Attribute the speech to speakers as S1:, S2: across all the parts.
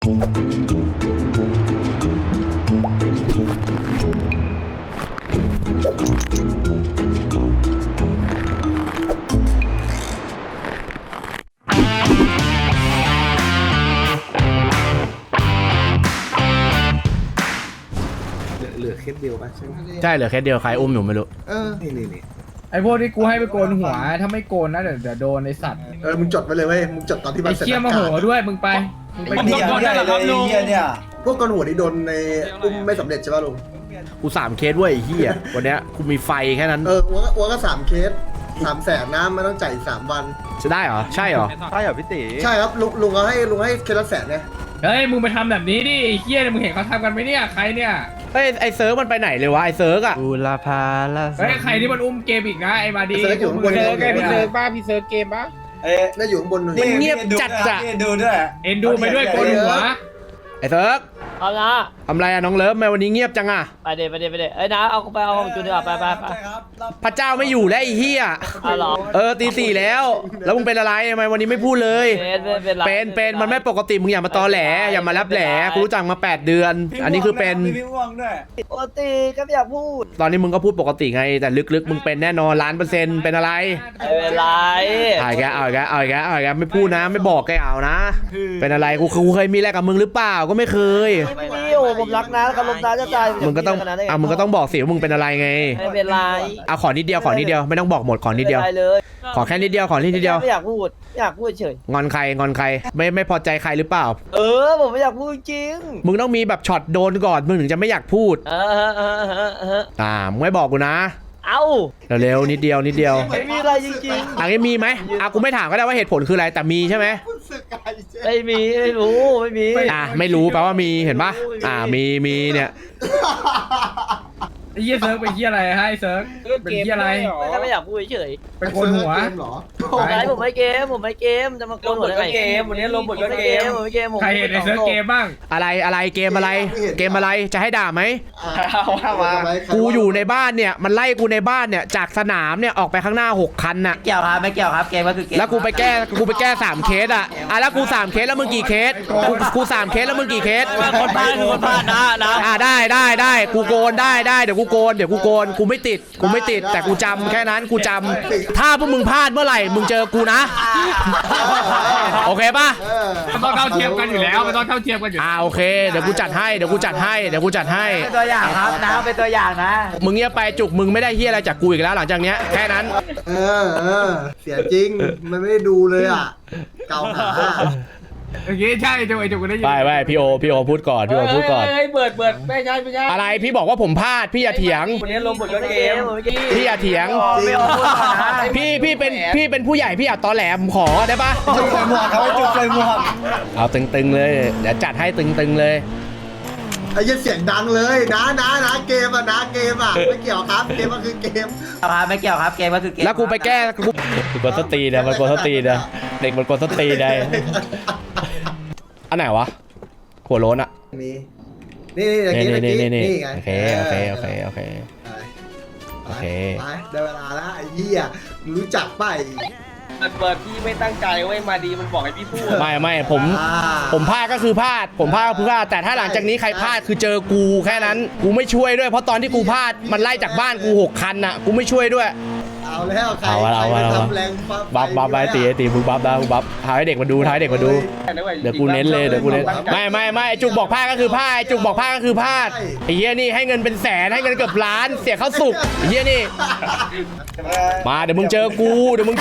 S1: เหลือเคสเดียวป่ะใช่ไหม
S2: ใช่เหลือแค่เดียวใครอุ้มอยู่ไม่รู้
S1: นี่
S3: ไอ้พวกที่กูให้ไปโกนหัวถ้าไม่โกนนะเดี๋ยวโดนไอ้สัตว์
S1: มึงจดไปเลยเว้ยมึงจดตอนที่มั
S3: ไอ้
S1: นเสร็จ
S3: เชี่ยมาโหด้วยมึงไปโกนได้หรอครับลุง
S1: พวกกอนหัวนี่โดนในอุ้มไม่สำเร็จใช่ป่ะลุง
S2: กู3เคสเว้ยไอ้เหี้ยวันเนี้ยกูมีไฟแค่นั้น
S1: วัวก็3 เคส300,000นะไม่ต้องจ่ายอีก3 วัน
S2: จะได้เหรอใช่เหรอ
S4: ใช่เหรอพี่ตี
S1: ใช่ครับลุงให้เคสละ100,000เนี่ย
S3: เฮ้ยมึงไปทำแบบนี้ดิไอ้เชี่ยมึงเห็นเขาทำกันไหมเนี่ยใครเนี่ย
S2: เฮ้ยไอเซิร์ฟมันไปไหนเลยวะไอเซิร์ฟอะ
S4: บูรพาละ
S3: เฮ้ยใครที่มันอุ้มเกมอีกนะไอ้มาดี
S1: เซิร์ฟอยู่ข้างบน
S3: พี่เซิร์ฟ
S1: พี่เซิร์ฟ
S3: บ้าพี่เซิร์ฟเกมบ้า
S1: น่าอยู่ข้างบน
S2: มันเงียบจัดอะ
S4: ดูด้วย
S3: เอ็นดูไปด้วยโกนหัว
S2: ไอเซิร์ฟ
S5: เอานะ
S2: ทำไรอะน้องเลิฟทำไมวันนี้เงียบจังอะ
S5: ไปเดี๋ยวเอ้ยนะเอาของจุนดีกว่าไป
S2: พระเจ้าไม่อยู่แล้วไอ้เหี้ย
S5: เอาหรอ
S2: ตี 4แล้วแล้วมึงเป็นอะไรทำไมวันนี้ไม่พูดเลย
S5: เป็นไร
S2: เป็นมันไม่ปกติมึงอย่ามาตอแหลอย่ามารับแหลกูรู้จักมา8 เดือน อันนี้คือเป็น
S4: พี่ม่วงด้วย
S5: ปกติก็ไม่อยากพูด
S2: ตอนนี้มึงก็พูดปกติไงแต่ลึกๆมึงเป็นแน่นอน1,000,000%เป็นอะไร
S5: ไม่เป็นไร
S2: เอาอีกแล้วไม่พูดนะไม่บอกแกเอานะ เป็นอะไรกูเคยมีอะไรกับมึงหรือเปล่าก็ไม่เคย
S5: ไม่มีโอ้ผมรักนะกับลมตาจะตาย
S2: มึงก็ต้องบอกสิว่ามึงเป็นอะไรไง
S5: ไม่เป็นไร
S2: เอาขอนิดเดียวไม่ต้องบอกหมดขอนิดเดียว
S5: ไม่เป็นไรเลย
S2: ขอแค่นิดเดียว
S5: ไม่อยากพูดเฉย
S2: งอนใครไม่พอใจใครหรือเปล่า
S5: ผมไม่อยากพูดจริง
S2: มึงต้องมีแบบช็อตโดนก่อนมึงถึงจะไม่อยากพูดมึงไม่บอกกูนะ
S5: เอ้า
S2: เร็วๆนิดเดียว
S5: ไม่มีอะไรจริง
S2: อันนี้มีไหมกูไม่ถามก็ได้ว่าเหตุผลคืออะไรแต่มีใช่ไหม
S5: ๆไม่มีไม่รู้ไม่มี
S2: ไม่รู้แปลว่ามีเห็นปะมีเนี่ย
S3: ไอ้เหี้ยเซิร์ฟเป็นเหี้ยอะไรให้เซิร์ฟเป็นเหี้ยอะไร
S5: ไม่อยากพูดเฉย
S3: ไปโกนหัว
S5: ผมไม่เกมจะมาโกนหัวได้ไงเกมวันนี้ลงบทก็เกมผมไม่เกม
S3: ใครเห็นไอ้เซิร์ฟเกมบ้าง
S2: อะไรเกมอะไรจะให้ด่าไหมกูอยู่ในบ้านเนี่ยมันไล่กูในบ้านเนี่ยจากสนามเนี่ยออกไปข้างหน้า6 คันน่ะ
S5: เกี่ยวครับไม่เกี่ยวครับเกมก็คือเกม
S2: แล้วกูไปแก้3 เคสอ่ะแล้วกู3 เคสแล้วมึงกี่เคสกู3 เคสแล้วมึงกี่เคส
S5: คนพลาดนะ
S2: ได้กูโกนได้เดี๋ยวกูโกนกูไม่ติดแต่กูจำแค่นั้นกูจำถ้าพวกมึงพลาดเมื่อไหร่มึงเจอกูนะโอเคป่ะ
S3: มันต้องเท่าเทียมกันอยู่แล้วมันต้องเท่าเทียมกันอยู่
S2: โอเคเดี๋ยวกูจัดให้
S5: เป็นตัวอย่างครับนะเป็นตัวอย่างนะ
S2: มึงเงียบไปจุกมึงไม่ได้เฮียอะไรจากกูอีกแล้วหลังจากเนี้ยแค่นั้น
S1: เสียจริงมันไม่ได้ดูเลยอ่ะเก่าหา
S3: โอเคใช่จุกไอ้จุกก็ได้ยิน
S2: ไปพี่โอพูดก่อน
S5: เฮ้ยเบิดไม่ใช่
S2: อะไรพี่บอกว่าผมพลาดพี่อย่าเถียง
S5: วันนี้ลงบทก็เกม
S2: พี่อย่าเถียง
S5: ไม่เอาพูดก่อนนะ
S2: พี่เป็นผู้ใหญ่พี่อย่าตอแหลผมขอได้ปะ
S4: จุกใส่หมวกครับจุกใส่หมวก
S2: เอาตึงๆเลยเดี๋ยวจัดให้ตึงๆเลย
S1: ไอ้เสียงดังเลยนะเกมอ่ะไม่เกี่ยวครับเกมก็คือเกม
S5: ไม่เกี่ยวครับเกมก็คือเกม
S2: แล้วกูไปแก้กูกดสตีนะมันกดสตีนะเด็กมันกดสตีได้อันไหนวะหัวโล้นอะ
S1: นี่ไง
S2: โอเค
S1: ได้เวลาแล้วไอ้เหี้ยรู้จักป่ะ
S6: เปิดพี่ไม่ตั้งใจเว้ยมาดีมันบอกให้พี่พูด
S2: ไม่ผมพลาดก็คือพลาดแต่ถ้าหลังจากนี้ใครพลาดคือเจอกูแค่นั้นกูไม่ช่วยด้วยเพราะตอนที่กูพลาดมันไล่จากบ้านกู6 คันน่ะกูไม่ช่วยด้วย
S1: เอาแล้วใครทำแรง
S2: บัฟไปตีมึงบัฟได้มึงบัฟทายให้เด็กมาดูเดี๋ยวกูเน้นเลยไม่จุกบอกพลาดก็คือพลาดจุกบอกพลาดก็คือพลาดไอ้เหี้ยนี่ให้เงินเป็นแสนให้เงินเกือบล้านเสียข้าวสุกไอ้เหี้ยนี่มาเดี๋ยวมึงเจอกูมึง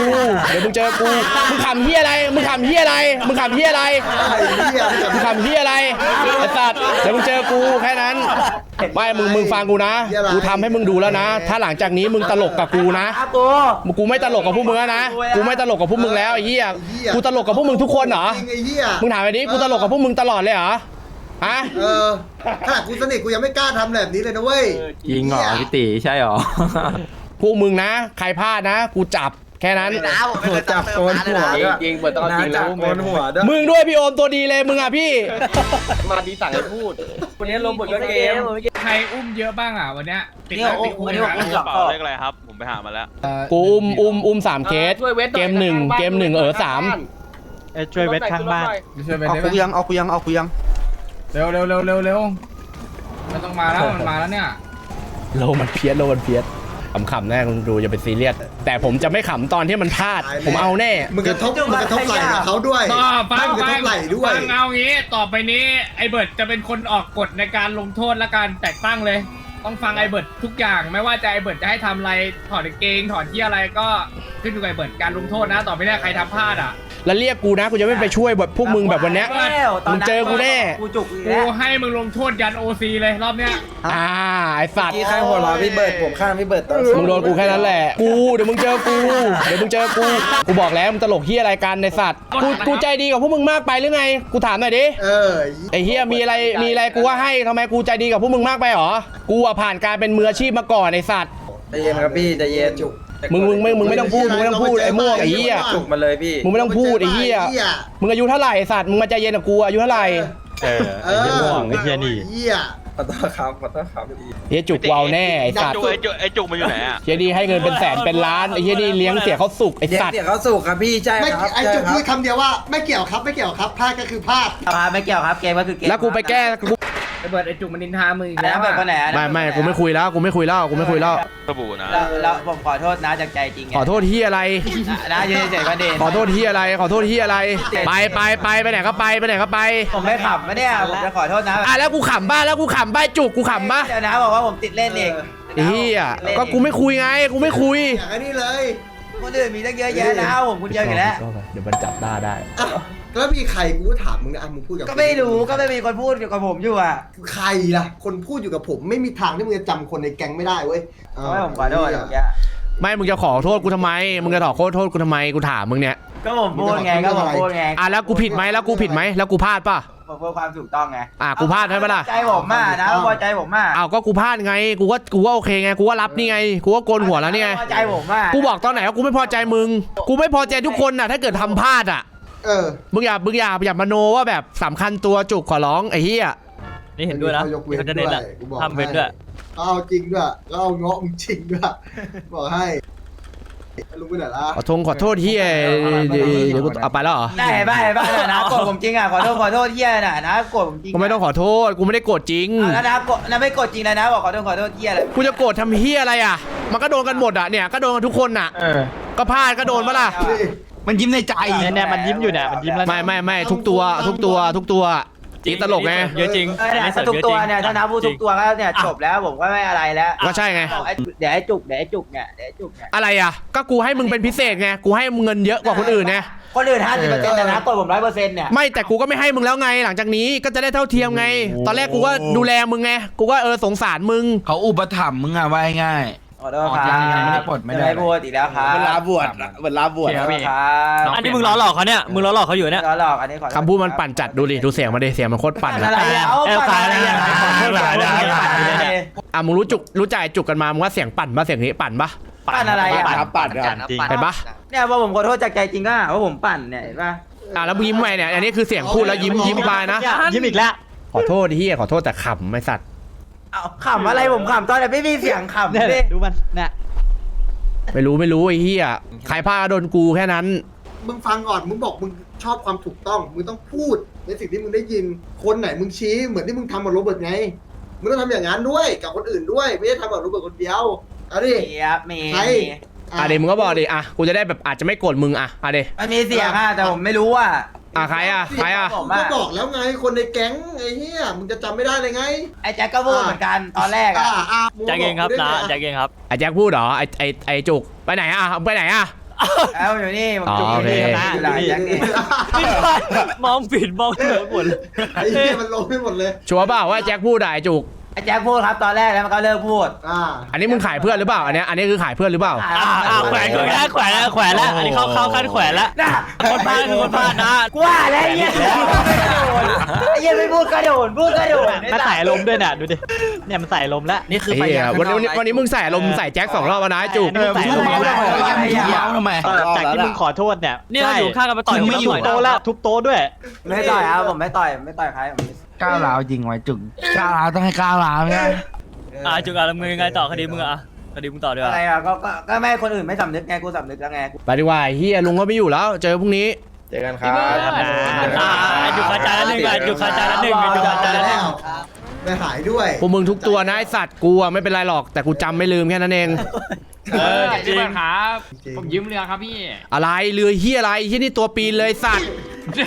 S2: ขำเหี้ยอะไรไอ้สัตว์เดี๋ยวมึงเจอกูแค่นั้นไม่มึงฟังกูนะกูทำให้มึงดูแล้วนะถ้าหลังจากนี้มึงตลกกับกูนะกูไม่ตลกกับพวกมึงแล้วนะกูไม่ตลกกับพวกมึงแล้วไอ้เหี้ยกูตลกกับพวกมึงทุกคนเหรอมึงถามไปดิกูตลกกับพวกมึงตลอดเลยเหรอฮะ
S1: ขนาดกูสนิทกูยังไม่กล้าทำแบบนี้เลยนะเว้ย
S4: ยิงเหรอพี่ตีใช่เหรอ
S2: พวกมึงนะใครพลาดนะกูจับแค่นั้น
S4: จับโกนหัว
S6: จริงเปิดตอนจริงแล้ว
S4: โกนหัวด้วย
S2: มึงด้วยพี่โอมตัวดีเลยมึงอ่ะพี่
S6: มาดีสั่งให้พูดวันนี้ลงบทก็เกม
S3: ใครอุ้มเยอะบ้างอ่ะวันเนี้ยติด
S5: เนี่ย
S3: ติด
S5: วันนี้ผม
S7: กระเป๋าเลขอะไรครับ ผมไปหามาแล้ว
S2: กูอุ้ม3 เคสเกมหนึ่ง3
S4: ช่วยเวทข้างบ้าน
S3: ช่วยไป
S4: เอา
S3: ได้
S4: คุ
S3: ไหม
S4: ยังเอาคุยังเอาคุยัง
S3: เร็วไม่ต้องมาแล้วมันมาแล้วเนี่ย
S2: โลมันเพี้ยนขำๆแน่คุณดูอย่าไปซีเรียสแต่ผมจะไม่ขำตอนที่มันพลาดผมเอาแน่
S1: มึงกระทบไหล่กับเขาด้วย
S3: ฟัง
S1: มึงกระทบไหล่ด้วย
S3: ฟังเอางี้ต่อไปนี้ไอเบิร์ดจะเป็นคนออกกฎในการลงโทษและการแต่งตั้งเลย ต้องฟังไอเบิร์ดทุกอย่างไม่ว่าจะไอเบิร์ดจะให้ทำอะไรถอดกางเกงถอดที่อะไรก็ขึ้นอยู่กับไอเบิร์ดการลงโทษนะต่อไปนี้ใครทำพลาดอ่ะ
S2: แล้วเรียกกูนะกูจะไม่ไปช่วยแบบพวกมึงแบบวันเนี้ย มึงเจอกูแน่
S5: กูจุก
S3: กูให้มึงลงโทษยันโอซีเลยรอบเนี้ย
S2: ไอสัตว์
S4: ที่ข้างหัวเราพี่เบิร์ดผมข้างพี่เบิร์ด
S2: มึงโดนกูแค่นั้นแหละเดี๋ยวมึงเจอกูบอกแล้วมึงตลกเฮียอะไรกันในสัตว์กูใจดีกับพวกมึงมากไปหรือไงกูถามหน่อยดิ ไอเฮียมีอะไรกูว่าให้ทำไมกูใจดีกับพวกมึงมากไปหรอกูอะผ่านการเป็นมืออาชีพมาก่อนไอสัตว์
S4: ใจเย็นครับพี่ใจเย็นจุก
S2: มึงไม่ต้องพูดไอ้ม่วงไอ้เหี้ย
S4: จุกมาเลยพี่
S2: มึงไม่ต้องพูดไอ้เหี้ยมึงอายุเท่าไหร่ไอ้สัตว์มึงมาใจเย็นกับกูอายุเท่าไหร่
S1: ไอ้ม่วงไอ้เหี้ยนี่
S4: ขอโทษครับพี่
S2: เฮียจุกวาวแน่ไอ้สัตว์
S6: ไอ้จุกมันอยู่ไหนอ่ะ
S2: เฮียดีให้เงินเป็นแสนเป็นล้านไอ้เฮียดีเลี้ยงเสียเขาสุกไอ้สัตว์
S4: เสียเขาสุกครับพี่ใช่
S1: ไม่
S4: ครับ
S1: ไอ้จุกพูดคำเดียวว่าไม่เกี่ยวครับพลาดก็คือพลาด
S5: ไม่เกี่ยวครับเกมก็คือเกม
S2: แล้วกูไปแก้กู
S3: ไอเบิร์ดไอจุกมันนินทามึงอีก
S5: แล้
S3: แล้ว ว
S5: แบบ
S3: อะ
S5: คนไหน
S2: ไม่กูไม่คุยแล้ว
S6: สบู่นะ
S5: แล้วผมขอโทษนะจากใจจริง
S2: ขอโทษเฮียอะไร
S5: นะยืนเฉยๆประเด็น
S2: ขอโทษเฮียอะไรไปไหนก็ไป
S5: ผมไม่ขำนะเนี่ยผมจะขอโทษนะ
S2: แล้วกูขำบ้าจุกกูขำบ้า
S5: เดี๋ยวนะบอกว่าผมติดเล่นเอง
S2: เฮียก็กูไม่คุยไงกูไม่คุย
S1: อย่างนี้เลย
S5: คนอื่นมีตั้งเยอะแยะนะผมคนเดียวอยู่แล้ว
S2: เดี๋ยวมันจับได้
S1: แล้วมีใครกูถามมึงนะมึงพูดกับ
S5: ก็ไม่รู้ก็ไม่มีคนพูดเกี่ยวกับผมอยู่อ่ะ
S1: ใครล่ะคนพูดอยู่กับผมไม่มีทางที่มึงจะจำคนในแก๊งไม่ได้เว้ย
S5: ไม่ผมขอโทษอย่างเงี้ย
S2: ไม่มึงจะขอโทษกูทำไมมึงจะขอโทษกูทำไมกูถามมึงเนี่ย
S5: ก็ผมพูดไง
S2: แล้วกูผิดไหมแล้วกูพลาดป่ะ
S5: ผมพูดความถูกต้องไง
S2: กูพลาดใช่ปะล่ะ
S5: ใจผมมากนะพอใจผมมาก
S2: ก็กูพลาดไงกูว่าโอเคไงกูว่ารับนี่ไงกูว่าโกนหัวแล้วนี่ไง
S5: พอใจผมมาก
S2: กูบอกตอนไหนว่ากูไม่พอใจมึงกูไม่พอใจทุกคนน่ะถ้าเกิดทำพลาดอ่ะมึงอย่ามโนว่าแบบสำคัญตัวจุกขอร้องไอ้เหี้ย
S7: นี่เห็นด้วยนะ
S1: เขาจะเน้นอะทำเว้นด้วยเอาจริงด้วยแล้วเอาเงาะมึงจริงด้วยบอกให้ลุงไปไหนล่ะ
S2: ขอโทษเหี้ยเดี๋ยวกูเอาไปแล้วเหรอ
S5: ได้บ้านะโกรธผมจริงอ่ะขอโทษเฮียนะโกรธผมจริง
S2: กูไม่ต้องขอโทษกูไม่ได้โกรธจริง
S5: แล้วนะไม่โกรธจริงเลยนะบอกขอโทษเฮียอะไร
S2: กูจะโกรธทำเหี้ยอะไรอ่ะมันก็โดนกันหมดอ่ะเนี่ยก็โดนกันทุกคนน่ะก็พลาดก็โดนปะล่ะ
S4: มันยิ้มในใจ
S7: เนี่ยมันยิ้มอยู่เนี่ยมันยิ้มแล้ว
S2: ไม่ทุกตัวจริงตลกไง
S7: เยอะจริง
S5: ทุกตัวเนี่ยถ้านับพูดทุกตัวก็เนี่ยจบแล้วผมก็ไม่อะไรแล้ว
S2: ก็ใช่ไง
S5: เดี๋ยวไอ้จุกเนี่ย
S2: อะไรอ่ะก็กูให้มึงเป็นพิเศษไงกูให้มึงเงินเยอะกว่าคนอื่นไง
S5: คนอื่น50%แต่นะกดผม100%เนี่ย
S2: ไม่แต่กูก็ไม่ให้มึงแล้วไงหลังจากนี้ก็จะได้เท่าเทียมไง ตอนแรกกูก็ดูแลมึงไงกูก็สงสารมึง
S4: เขาอุปถัมภ์มึงอะว่าง่าย
S5: ขอโทษครับ
S4: ไม่ได้ปลดไม่ได้
S5: พูดอีกแล้วครับ
S4: เวลาบวช
S5: ครับ
S7: อันนี้มึงล้อหลอกเขาเนี่ยมึงล้อหลอกเขาอยู่เนี่ย
S5: หลอกอันนี้ขอ
S2: คำพูดมันปั่นจัดดูดิดูเสียงมันดิเสียงมันโคตรปั่น
S5: อะไรอ่ะ
S2: มึงรู้ใจจุกกันมามึงว่าเสียงปั่นปะเสียงนี้ปั่นปะ
S5: ปั่นอะไรอ่ะ
S7: ปั่นจริง
S2: เห็นปะ
S5: เนี่ยว่าผมขอโทษจากใจจริงอ่ะว่าผมปั่นเนี่ยเห็นปะ
S2: แล้วมึงยิ้มไปเนี่ยอันนี้คือเสียงพูดแล้วยิ้มไปนะ
S7: ยิ้มอีกแล้ว
S2: ขอโทษที่ขอโทษแต่ขำไม่สัตว์
S5: เอาขำอะไรผมขำตอนไหนไม่มีเสียงขำ
S7: เนี่ย
S5: ดิ
S7: ดูมันเนี่ย
S2: ไม่รู้ไอ้เหี้ยใครพาโดนกูแค่นั้น
S1: มึงฟังก่อนมึงบอกมึงชอบความถูกต้องมึงต้องพูดในสิ่งที่มึงได้ยินคนไหนมึงชี้เหมือนที่มึงทำกับโรเบิร์ตไงมึงต้องทำอย่างนั้นด้วยกับคนอื่นด้วยไม่ใช่ทำกับโรเบิร์ตคนเดียวเอาดิ
S5: มี
S1: ใคร
S2: เดี๋ยวมึงก็บอกดิกูจะได้แบบอาจจะไม่โกรธมึงเดี๋ยว
S5: มันมีเสียงอ่ะแต่ผมไม่รู้อ่ะ
S2: ใคร
S1: ผมก็บอกแล้วไงคนในแก๊งไอ้เหี้ยมึงจะจำไม่ได้เลยไง
S5: ไอ้แจ็คก็พูดเหมือนกันตอนแรกอ่ะ
S7: แจ็คเองครับนะแจ็คเองครับ
S2: ไอ้แจ็คพูดเหรอไอ้จุกไปไหนไปไหน
S5: แล้วอยู่นี่ผมจุกนี่นะแจ็คนี่
S7: มองผิดมองเหนือหมดเลย
S1: ไอ้เหี้ยมันลงไปหมดเลย
S2: ชัวร์เปล่าว่าแจ็คพูดไอ้จุก
S5: ไอ้แจ็คพูดครับตอนแรกแล้วมันก็เลิกพูด
S2: อันนี้มึงขายเพื่อนหรือเปล่าอันนี้คือขายเพื่อนหรือเปล่า
S7: แขวนแล้วอันนี้เข้าขั้นแขวนแล้ว
S5: น่ะ
S7: คนพลาดคือคนพลาดนะ
S5: กว่าแล้วไอ้เหี้ยไอ้เหี้ยไม่พูดก็โดนพูดก็โดน
S7: มันใส่ลมด้วยน่ะดูดิเนี่ยมันใส่ลมแล้วนี่คือ
S2: วันนี้มึงใส่ลมใส่แจ็ค2 รอบแล้วนะจุก
S4: ทำไม
S7: จากที่มึงขอโทษเนี่ยเนี่ยอยู่ข้างกันมาต่อยไม่อยู่โต๊ะแล้วทุบโต๊ะด้วย
S5: ไม่ต่อยครับผมไม่ต่อยใครผม
S4: ก้าวร้าวจริงไว้จุกก้าวร้าวต้องให้ก้าวร้าวไง
S7: จุกมึงยังไงต่อคดีมึงคดีมึงต่อด้วย
S5: อะไรอ่ะก็ไม่คนอื่นไม่สำนึกไงกูสำนึกแล้วไง
S2: ไปดีกว่าเฮียลุงก็ไม่อยู่แล้วเจอพรุ่งนี้
S5: เ
S6: เจอกันครับ
S7: อยู่คาจาละหนึ่งอยู่คาจาละหนึ่งอยู่คาจาละหนึ่ง
S1: ไม่หายด้วย
S2: พวกมึงทุกตัวนะไอสัตว์กูอะไม่เป็นไรหรอกแต่กูจำไม่ลืมแค่นั้นเอง
S3: จริงครับผมยืมเรือครับพี่
S2: อะไรเรือเฮียอะไรเฮียนี่ตัวปีนเลยสัตว์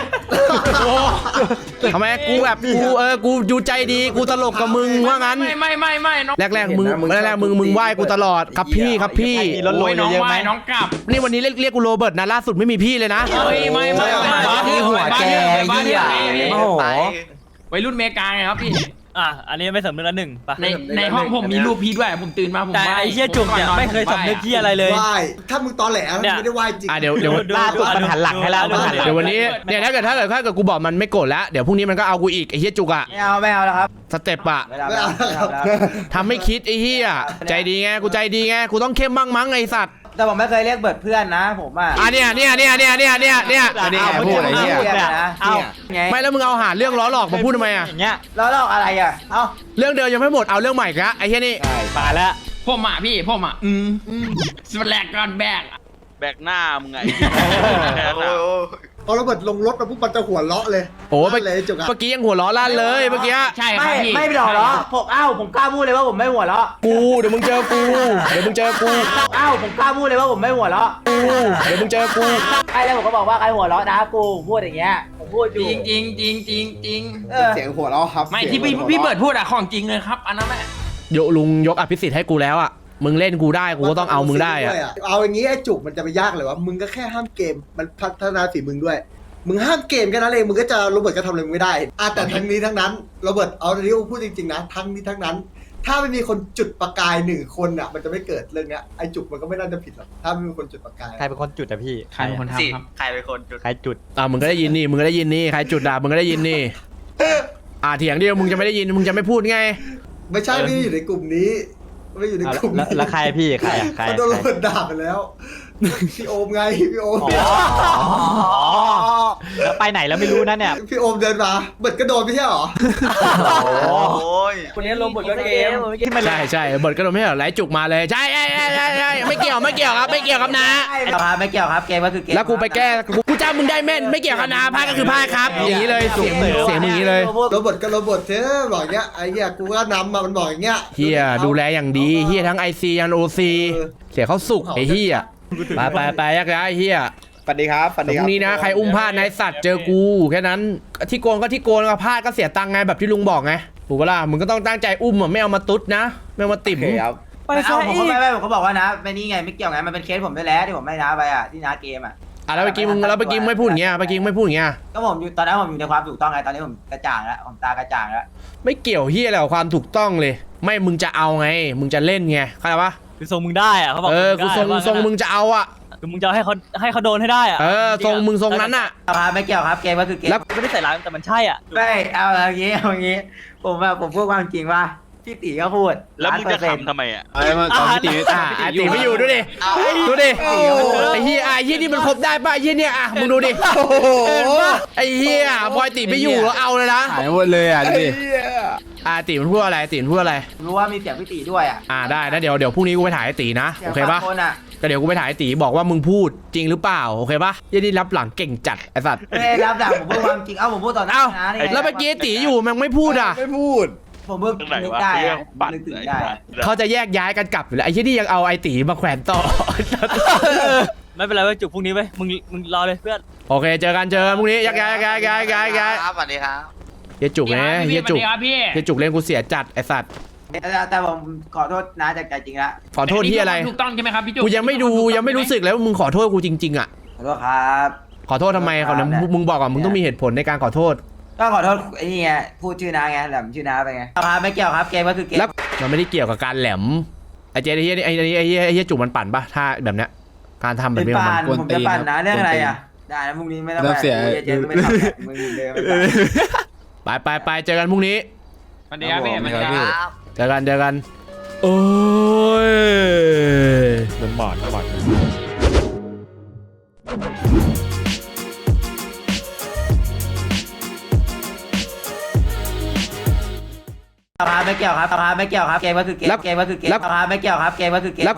S2: ทำไมกูแบบกูอยู่ใจดีกูตลกกับมึงว่างั้น
S3: ไม่น้อง
S2: แรกๆมึงไหว้กูตลอดครับพี่ครับพี่
S7: มีรถโรย
S3: น้อง
S7: เยอะ
S3: ไห
S7: ไห
S3: ว
S7: ม
S3: น้องกลับ
S2: นี่วันนี้เรียกกูโรเบิร์ตนะล่าสุดไม่มีพี่เลยนะ
S3: ไม่
S4: ที่หัวแกเหี้ยโอ้โห
S3: วัยรุ่นเมกาไงครับพี่
S7: อันนี้ไม่สำนึกละหนึ่งปะ
S3: ในห้องผมมีรูปพี่ด้วยผมตื่นมาผม
S7: แต่ไอ้เหี้ยจุกเนี่ยไม่เคยสำนึกที่อะไรเลย
S1: ไหว้ถ้ามึงตอแหลมึงไม่ได้ไหว้จริง
S2: เดี๋ยว
S7: ล่าสุดมันหันหลังให้แล้ว
S2: เดี๋ยววันนี้เนี่ยถ้าเกิดกูบอกมันไม่โกรธแล้วเดี๋ยวพรุ่งนี้มันก็เอากูอีกไอ้เฮียจุกอะ
S5: ไม่เอาแล้วครับ
S2: สเต็ปอะ
S5: ไม่เอาแล้ว
S2: ทำไม่คิดไอ้เฮียใจดีไงกูใจดีไงกูต้องเข้มบ้างมั้งไอ้สัตว์
S5: แต่ผมไม่เคยเรียกเบิร์ดเพื่อนนะผมอ่ะ
S2: เนี่ย
S4: อันนี้พูดไอ้เหี้ย
S5: เอาไง
S2: ไม่แล้วมึงเอาหาเรื่องล้อหลอกมาพูดทำไมอะ
S7: อย่างเงี้ย
S5: แล้วเราอะไรอ่ะเอ้า
S2: เรื่องเดิมยังไม่หมดเอาเรื่องใหม่กะไอ้เฮียนี่
S7: ป่าแล้ว
S3: ผมสแลกก่อนแบก
S8: แบกหน้ามึงไง
S1: พอระเบิดลงรถมาปุ๊บมันจะหัวเราะเลย
S2: โอ้เมื่
S1: เลยจุกอะ
S2: อกี้ยังหัวล้อลั่นเลยเมื่อกี้
S3: ใช่ครับพี่
S5: ไม่หรอกเหรอผมกล้าพูดเลยว่าผมไม่หัวเราะ
S2: เดี๋ยวมึงเจอกู
S5: ผมกล้าพูดเลยว่าผมไม่หัวเราะ
S2: เดี๋ยวมึงเจอกู
S5: ใครแล้วผมก็บอกว่าใครหัวเราะนะกูพูดอย่างเงี้ยผมพูดอยู่
S3: จริง
S1: เสียงหัวเราะครับ
S3: ไม่ที่พี่เบิร์ดพูดอะของจริงเลยครับอันนั้นแหละ
S2: ลุงยกอภิสิทธิ์ให้กูแล้วอ่ะมึงเล่นกูได้กูก็ต้องเอามึงได้อ่ะ
S1: เอาอย่างงี้ไอ้จุกมันจะไปยากเลยวะมึงก็แค่ห้ามเกมมันพัฒนาฝีมึงด้วย มึงห้ามเกมแค่นั้นเองมึงก็จะโรเบิร์ตก็ทำอะไรมึงไม่ได้แต่ทั้งนี้ทั้งนั้นโรเบิร์ตเอาที่พูดจริงๆนะทั้งนี้ทั้งนั้น ถ้าไม่มีคนจุดประกาย1 คนอ่ะมันจะไม่เกิดเรื่องเนี้ยไอ้จุกมันก็ไม่น่าจะผิดหรอกถ้าไม่มีคนจุดประกาย
S7: ใครเป็นคนจุดอะพี่
S3: ใครเป็นคนทำครับ
S8: ใครเป็นคนจุด
S7: ใครจุด
S2: มึงก็ได้ยินนี่ใครจุดด่ามึงก็ได้ยินนี่เถียงเดียวมึงจะไม่ได้ยินมึงจะไม่พูดไง
S1: ไม่ใช่ไม่ได้อยู่ในกลุ่มนี้ไม่อยู่ในกลุ่มนี้
S7: แล้วใครพี่ใครอะใคร
S1: เขาโดนโรเบิร์ตด่าไปแล้วพี่โอมไงพี่โอม
S7: แล้วไปไหนแล้วไม่รู้นะเนี่ย
S1: พี่โอมเดินมาเบิร์ตก็โดนไม่ใช่หรอ
S8: โอ้ย
S5: คนนี้ลงบทก็เกม
S2: ใช่เบิร์ดก็โดนไม่เหรอไหลจุกมาเลยใช่ไม่เกี่ยวครับไม่เกี่ยวครับนะ
S5: ไม่เกี่ยวครับเกมก็คือเกม
S2: แล้วกูไปแก้กูจำมึงได้แม่นไม่เกี่ยวกับนะพลาดก็คือพลาดครับอย่างนี้เลยเสียงมึงอย่างนี้เลย
S1: โรเบิร์ตก็โรเบิร์ตเธอบอกอย่างเงี้ยไอ้เงี้ยกูก็นำมามันบอกอย่างเงี้ย
S2: เฮียดูแลอย่างดีเฮียทั้ง IC ยัน OC เสียเขาสุกไอ้เฮียไปยักย้ายเฮีย
S6: สวัสดีครับสวัส
S2: แต่
S6: ดี
S2: พ
S6: ครั
S2: รุ่
S6: บ
S2: งนี้นะใครอุ้มพลาดนายสัตว์เจอกูแค่นั้นที่โกนก็ที่โกนก็พลาดก็เสียตังค์ไงแบบที่ลุงบอกไงถูกปะล่ะมึงก็ต้องตั้งใจอุ้มอ่ะไม่เอามาตุ๊ดนะไม่เอามาติ่ม
S6: โอเคครับ
S5: ไม่เอาผมผมก็บอกว่านะไม่นี่ไงไม่เกี่ยวไงมันเป็นเคสผมด้วยแล้วที่ผมไม่น้าไปอ่ะที่น้าเกมอ่ะ
S2: แล้วเมื่อกี้มึงไม่พูดอย่างเงี้ย
S5: ก็ผมอยู่ตอนนั้นผมอยู่ในความถูกต้องไงตอนนี้ผมกระจ่างแล้วผมตากระจ่างแล้ว
S2: ไม่เกี่ยวเฮียอะไรกับความถูกต้องเลย ไม่มึงจะเอาไงมึงจะเล่นไงเข้าใจปะ
S7: คือทรงมึงได้อะเขาบอก
S2: กูทรงมึงจะเอาอ่ะ
S7: คือมึงจะให้เขาโดนให้ได้อะ
S2: ทรงมึงทรงนั้นอ่ะ
S5: ครับไม่เกี่ยวครับเกมก็คือเกม
S2: แล้ว
S7: ไม่ได้ใส่ร้ายแต่มันใช่อ่ะ
S5: ไม่เอาอย่างงี้ผมพูดความจริงว่าพี่ตีก็พูด
S8: แล้วมึงจะขำทำไมอ่ะ
S2: ไอ้ตีไม่อยู่ดูดิไอ้เฮียนี่มันครบได้ป่ะไอ้เฮียเนี่ยมึงดูดิไอ้เฮียบอยตีไม่อยู่แล้วเอาเลยนะ
S4: หายหมดเลยอ่ะดูดิ
S2: ตีมันพูดอะไร
S5: รู้ว่ามีเสียงพี่ตีด้วยอ่ะ
S2: ได้นะเดี๋ยวพรุ่งนี้กูไปถ่ายไอ้ตีนะโอเคปะ
S5: คนอ่ะ
S2: ก็เดี๋ยวกูไปถ่ายไอ้ตีบอกว่ามึงพูดจริงหรือเปล่าโอเคปะยี่นี่รับหลังเก่งจัดไอ้สัตว์
S5: ไม่ได้รับดักผมพูดความจริงผมพูดต่อหน้านะ
S2: แล้วเมื่อกี้ไอ้ตีอยู่มันไม่พูดอ่ะ
S6: ไม่พูด
S5: ผมเพิ่ง
S8: เรื่องไหน
S5: นึก
S8: วะ
S5: ได้
S8: เรื่องบัตร
S5: นึกถึง
S8: ไหน
S5: ได้
S2: เขาจะแยกย้ายกันกลับอยู่แล้วไอ้ยี่นี่ยังเอาไอ้ตีมาแขวนต่อ
S7: ไม่เป็นไรเว้ยจุกพรุ่งนี้เว้ยมึงรอเลยเพื่อน
S2: โอเคเจอกันพรุ่งนี้ย้าย
S8: ครับสวัสดีครับ
S2: เฮียจุกเนี่ยเฮียจุก
S3: พี่
S2: เฮียจุกเล่นกูเสียจัดไอ้สัตว์
S5: แต่ผมขอโทษนะจากใจจริงละ
S2: ขอโทษที่อะไร
S3: ถูกต้องใช่ไหมครับพี่จุ
S2: กูยังไม่รู้สึกเลยว่ามึงขอโทษกูจริงๆอ่ะ
S5: ขอโทษครับ
S2: ขอโทษทำไมเขาเนี่ยมึงบอกอ่ะมึงต้องมีเหตุผลในการขอโทษ
S5: ก็ขอโทษไอ้นี่ไงพูดชื่อน้าไงแหลมชื่อน้าไปไงครับไม่เกี่ยวครับเกมก็คือเกม
S2: แล้วมันไม่ได้เกี่ยวกับการแหลมไอ้เจ๊ไอ้เฮียจุกมันปั่นปะถ้าแบบเนี้ยการทำแบบนี้ของมัน
S5: ผมจะปั่นนะเรื่องอะไรอ่ะได้นะพรุ่งนี้ไม่ต้องไปเจ๊ไม่ทำมึงเดิน
S2: ไปเจอกันพรุ่งนี้
S3: สวัสดีครับพี่
S8: สวัสดีครับ
S2: เจอกันโอ้ยมันบอด
S5: ไม่เกี่ยวครับเกมก็คือเกมไม่เกี่ยวครับเกมก็คือเกม